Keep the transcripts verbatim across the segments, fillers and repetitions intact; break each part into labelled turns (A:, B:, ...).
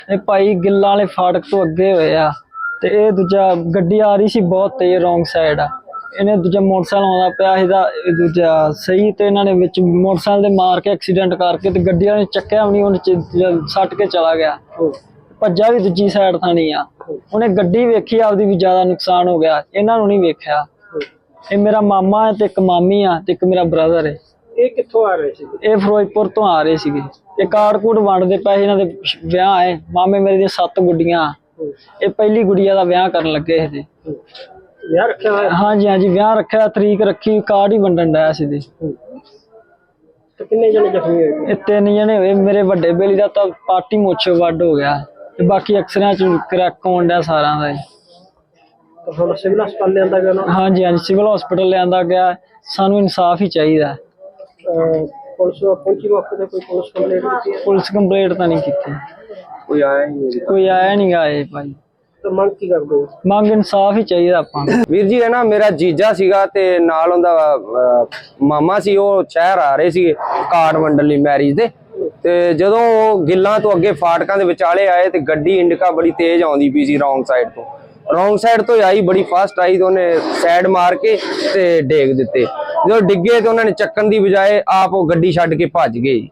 A: ਇਹ ਭਾਈ ਗਿੱਲਾਂ ਵਾਲੇ ਫਾਟਕ ਤੋਂ ਅੱਗੇ ਹੋਏ ਆ ਤੇ ਇਹ ਦੂਜਾ ਗੱਡੀ ਆ ਰਹੀ ਸੀ ਬਹੁਤ ਤੇਜ਼ ਰੋਂਗ ਸਾਈਡ ਆ। ਇਹਨੇ ਦੂਜਾ ਮੋਟਰਸਾਈਕਲ ਆਉਂਦਾ ਪਿਆ ਇਹਦਾ ਦੂਜਾ ਸਹੀ ਤੇ ਇਹਨਾਂ ਨੇ ਵਿੱਚ ਮੋਟਰਸਾਈਕਲ ਦੇ ਮਾਰ ਕੇ ਐਕਸੀਡੈਂਟ ਕਰਕੇ ਤੇ ਗੱਡੀ ਵਾਲੇ ਨੇ ਚੱਕਿਆ ਵੀ ਨਹੀਂ, ਉਹਨੇ ਸੱਟ ਕੇ ਚਲਾ ਗਿਆ। ਭੱਜਾ ਵੀ ਦੂਜੀ ਸਾਈਡ ਥਾਣੀ ਆ। ਉਹਨੇ ਗੱਡੀ ਵੇਖੀ ਆਪਦੀ ਵੀ ਜ਼ਿਆਦਾ ਨੁਕਸਾਨ ਹੋ ਗਿਆ, ਇਹਨਾਂ ਨੂੰ ਨਹੀਂ ਵੇਖਿਆ। ਇਹ ਮੇਰਾ ਮਾਮਾ ਹੈ ਤੇ ਇੱਕ ਮਾਮੀ ਆ ਤੇ ਇੱਕ ਮੇਰਾ ਬ੍ਰਦਰ ਹੈ।
B: ਇਹ ਕਿੱਥੋਂ ਆ ਰਹੇ ਸੀ?
A: ਇਹ ਫਿਰੋਜ਼ਪੁਰ ਤੋਂ ਆ ਰਹੇ ਸੀਗੇ। ਇਹ ਕਾਰਡ ਕੂਡ ਵੰਡਦੇ ਪਏ, ਇਹਨਾਂ ਦੇ ਵਿਆਹ ਹੈ। ਮਾਮੇ ਮੇਰੇ ਦੀਆਂ ਸੱਤ ਗੁੱਡੀਆਂ, ਇਹ ਪਹਿਲੀ ਗੁੱਡੀਆ ਦਾ ਵਿਆਹ ਕਰਨ ਲੱਗੇ ਸੀ।
B: ਵਿਆਹ ਰੱਖਿਆ ਹੋਇਆ?
A: ਹਾਂਜੀ ਹਾਂਜੀ ਵਿਆਹ ਰੱਖਿਆ, ਤਰੀਕ ਰੱਖੀ, ਕਾਰਡ ਹੀ ਵੰਡਣ ਡਿਆ ਸੀ।
B: ਤੇ ਕਿੰਨੇ ਜਣੇ ਜ਼ਖਮੀ ਹੋਏ?
A: ਇਹ ਤਿੰਨ ਜਣੇ ਹੋਏ। ਮੇਰੇ ਵੱਡੇ ਬੇਲੀ ਦਾ ਤਾਂ ਪਾਰਟੀ ਮੁੱਛ ਵੱਡ ਹੋ ਗਿਆ ਤੇ ਬਾਕੀ ਅਕਸਰਾਂ ਚ ਕਰੈਕ ਹੋਣ ਡਿਆ ਸਾਰਿਆਂ ਦਾ।
B: ਹੁਣ ਸਿਵਲ ਹਸਪਤਾਲ ਲਿਆਂਦਾ ਗਿਆ ਨਾ?
A: ਹਾਂਜੀ ਹਾਂਜੀ ਸਿਵਲ ਹਸਪੀਟਲ ਲਿਆਂਦਾ ਗਿਆ। ਸਾਨੂੰ ਇਨਸਾਫ ਹੀ ਚਾਹੀਦਾ।
B: ਪੁਲਿਸ ਪਹੁੰਚੀ ਮੌਕੇ ਤੇ? ਕੋਈ ਪੁਲਿਸ ਕੰਪਲੇਂਟ ਕੀਤੀ?
A: ਪੁਲਿਸ ਕੰਪਲੇਂਟ ਤਾਂ ਨਹੀਂ ਕੀਤੀ,
B: ਕੋਈ ਆਇਆ ਹੀ ਨਹੀਂ?
A: ਕੋਈ ਆਇਆ ਨਹੀਂ ਆਏ ਭਾਈ।
B: ਤੇ ਮੰਗ ਕੀ ਕਰਦੇ ਹੋ?
A: ਮੰਗ ਇਨਸਾਫ ਹੀ ਚਾਹੀਦਾ ਆਪਾਂ ਨੂੰ।
C: ਵੀਰ ਜੀ, ਹੈ ਨਾ ਮੇਰਾ ਜੀਜਾ ਸੀਗਾ ਤੇ ਨਾਲ ਉਹਦਾ ਮਾਮਾ ਸੀ। ਉਹ ਸ਼ਹਿਰ ਆ ਰਹੇ ਸੀ ਕਾਰਡ ਵੰਡਣ ਲਈ ਮੈਰਿਜ ਦੇ। ਤੇ ਜਦੋਂ ਉਹ ਗਿੱਲਾਂ ਤੋਂ ਅੱਗੇ ਫਾਟਕਾਂ ਦੇ ਵਿਚਾਲੇ ਆਏ ਤੇ ਗੱਡੀ ਇੰਡਿਕਾ ਬੜੀ ਤੇਜ਼ ਆਉਂਦੀ ਪਈ ਸੀ ਰੌਂਗ ਸਾਈਡ ਤੋਂ। ਰੌਂਗ ਸਾਈਡ ਤੋਂ ਆਈ, ਬੜੀ ਫਾਸਟ ਆਈ ਤੇ ਉਹਨੇ ਸਾਈਡ ਮਾਰ ਕੇ ਤੇ ਡੇਗ ਦਿੱਤੇ। ਜਦੋਂ ਡਿੱਗੇ ਤੇ ਉਹਨਾਂ ਨੇ ਚੱਕਣ ਦੀ ਬਜਾਏ ਆਪ ਉਹ ਗੱਡੀ ਛੱਡ ਕੇ ਭੱਜ ਗਏ।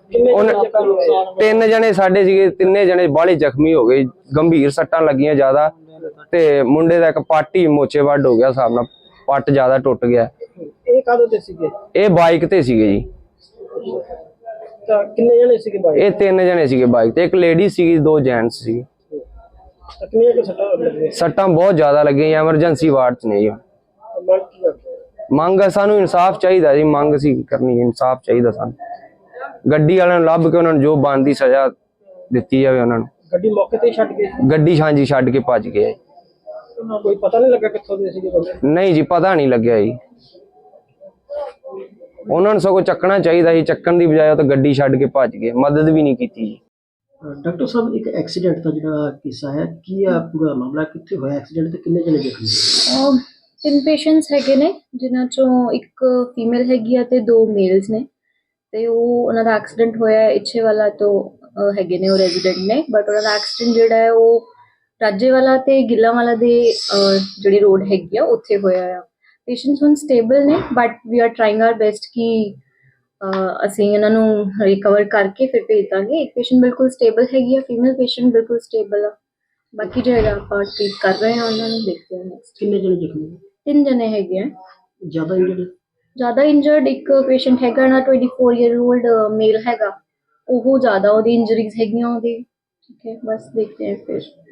C: ਤਿੰਨ ਜਣੇ ਸਾਡੇ ਸੀਗੇ, ਤਿੰਨੇ ਜਣੇ ਬਾਹਲੇ ਜ਼ਖਮੀ ਹੋ ਗਏ, ਗੰਭੀਰ ਸੱਟਾਂ ਲੱਗੀਆਂ ਜ਼ਿਆਦਾ। ਤੇ ਮੁੰਡੇ ਦਾ ਇੱਕ ਪੱਟ ਹੀ ਮੋਚੇ ਵੱਢ ਹੋ ਗਿਆ, ਹਿਸਾਬ ਨਾਲ ਪੱਟ ਜ਼ਿਆਦਾ ਟੁੱਟ ਗਿਆ।
B: ਇਹ ਕਾਹਦੇ ਤੇ ਸੀਗੇ?
C: ਇਹ ਬਾਈਕ ਤੇ ਸੀਗੇ ਜੀ।
B: ਤਾਂ ਕਿੰਨੇ ਜਣੇ ਸੀਗੇ ਬਾਈਕ?
C: ਇਹ ਤਿੰਨ ਜਣੇ ਸੀਗੇ ਬਾਈਕ ਤੇ, ਇੱਕ ਲੇਡੀ ਸੀਗੀ, ਦੋ ਜੈਂਟਸ ਸੀਗੇ।
B: ਕਿੰਨੀਆਂ ਕੁ ਸੱਟਾਂ ਲੱਗੀਆਂ?
C: ਸੱਟਾਂ ਬਹੁਤ ਜ਼ਿਆਦਾ ਲੱਗੀਆਂ, ਐਮਰਜੈਂਸੀ ਵਾਰਡ ਚ ਨੇ ਜੀ।
B: ਮੰਗ ਕੀ ਕਰਦੇ ਹੋ?
C: ਮੰਗ ਸਾਨੂੰ ਇਨਸਾਫ ਚਾਹੀਦਾ ਜੀ, ਮੰਗ ਸੀ ਕਰਨੀ, ਇਨਸਾਫ ਚਾਹੀਦਾ ਸਾਨੂੰ। ਗੱਡੀ ਵਾਲਿਆਂ ਨੂੰ ਲੱਭ ਕੇ ਉਹਨਾਂ ਨੂੰ ਜੋ ਬਣਦੀ ਸਜ਼ਾ ਦਿੱਤੀ ਜਾਵੇ ਉਹਨਾਂ ਨੂੰ।
B: ਗੱਡੀ ਮੌਕੇ ਤੇ ਛੱਡ ਗਏ?
C: ਗੱਡੀ ਹਾਂਜੀ ਛੱਡ ਕੇ ਭੱਜ ਗਏ।
B: ਕੋਈ ਪਤਾ ਨਹੀਂ ਲੱਗਾ ਕਿੱਥੋਂ ਦੇ ਸੀਗੇ ਬੰਦੇ?
C: ਨਹੀਂ ਜੀ, ਪਤਾ ਨਹੀਂ ਲੱਗਿਆ ਜੀ। ਉਹਨਾਂ ਨੂੰ ਸਗੋਂ ਚੱਕਣਾ ਚਾਹੀਦਾ ਸੀ, ਚੱਕਣ ਦੀ ਬਜਾਏ ਉਹ ਤਾਂ ਗੱਡੀ ਛੱਡ ਕੇ ਭੱਜ ਗਏ, ਮਦਦ ਵੀ ਨਹੀਂ ਕੀਤੀ ਜੀ।
B: ਡਾਕਟਰ ਸਾਹਿਬ, ਇੱਕ ਐਕਸੀਡੈਂਟ ਦਾ ਜਿਹੜਾ ਕਿੱਸਾ ਹੈ, ਕੀ ਆ ਪੂਰਾ ਮਾਮਲਾ? ਕਿੱਥੇ ਹੋਇਆ ਐਕਸੀਡੈਂਟ ਤੇ ਕਿੰਨੇ ਜਣੇ ਜ਼ਖਮੀ?
D: ਤਿੰਨ ਪੇਸ਼ੈਂਟਸ ਹੈਗੇ ਨੇ, ਜਿਨ੍ਹਾਂ ਚੋਂ ਇੱਕ ਫੀਮੇਲ ਹੈਗੀ ਆ ਤੇ ਦੋ ਮੇਲਸ ਨੇ। ਤੇ ਉਹ ਉਹਨਾਂ ਦਾ ਐਕਸੀਡੈਂਟ ਹੋਇਆ ਇੱਛੇ ਵਾਲਾ ਤੋਂ ਹੈਗੇ ਨੇ, ਉਹ ਰੈਜ਼ੀਡੈਂਟ ਨੇ। ਬਟ ਉਹਨਾਂ ਦਾ ਐਕਸੀਡੈਂਟ ਜਿਹੜਾ ਹੈ ਉਹ ਰਾਜੇ ਵਾਲਾ ਤੇ ਗਿੱਲਾਂ ਵਾਲਾ ਦੇ ਜਿਹੜੀ ਰੋਡ ਹੈਗੀ ਆ ਉੱਥੇ ਹੋਇਆ ਆ। ਪੇਸ਼ੈਂਟਸ ਹੁਣ ਸਟੇਬਲ ਨੇ, but we are trying our best ਕਿ ਅਸੀਂ ਇਹਨਾਂ ਨੂੰ ਰਿਕਵਰ ਕਰਕੇ ਫਿਰ ਭੇਜ ਦਾਂਗੇ। ਇੱਕ ਪੇਸ਼ੈਂਟ ਬਿਲਕੁਲ ਸਟੇਬਲ ਹੈਗੀ ਆ, ਫੀਮੇਲ ਪੇਸ਼ੈਂਟ ਬਿਲਕੁਲ ਸਟੇਬਲ ਆ। ਬਾਕੀ ਜਿਹੜਾ ਆਪਾਂ ਟ੍ਰੀਟ ਕਰ ਰਹੇ ਹਾਂ ਉਹਨਾਂ ਨੂੰ ਦੇਖਦੇ ਹਾਂ ਨੈਕਸਟ।
B: ਕਿੰਨੇ ਜਣੇ ਜ਼ਖਮੀ?
D: ਤਿੰਨ ਜਣੇ ਹੈਗੇ ਆ।
B: ਜ਼ਿਆਦਾ ਇੰਜਰਡ?
D: ਜ਼ਿਆਦਾ ਇੰਜਰਡ ਇੱਕ ਪੇਸ਼ੈਂਟ ਹੈਗਾ ਨਾ, twenty four year old male ਹੈਗਾ, ਉਹ ਜ਼ਿਆਦਾ ਉਹਦੀ ਇੰਜਰੀਜ਼ ਹੈਗੀਆਂ ਉਹਦੀ। ਠੀਕ ਹੈ, ਬਸ ਦੇਖਦੇ ਹਾਂ ਫਿਰ।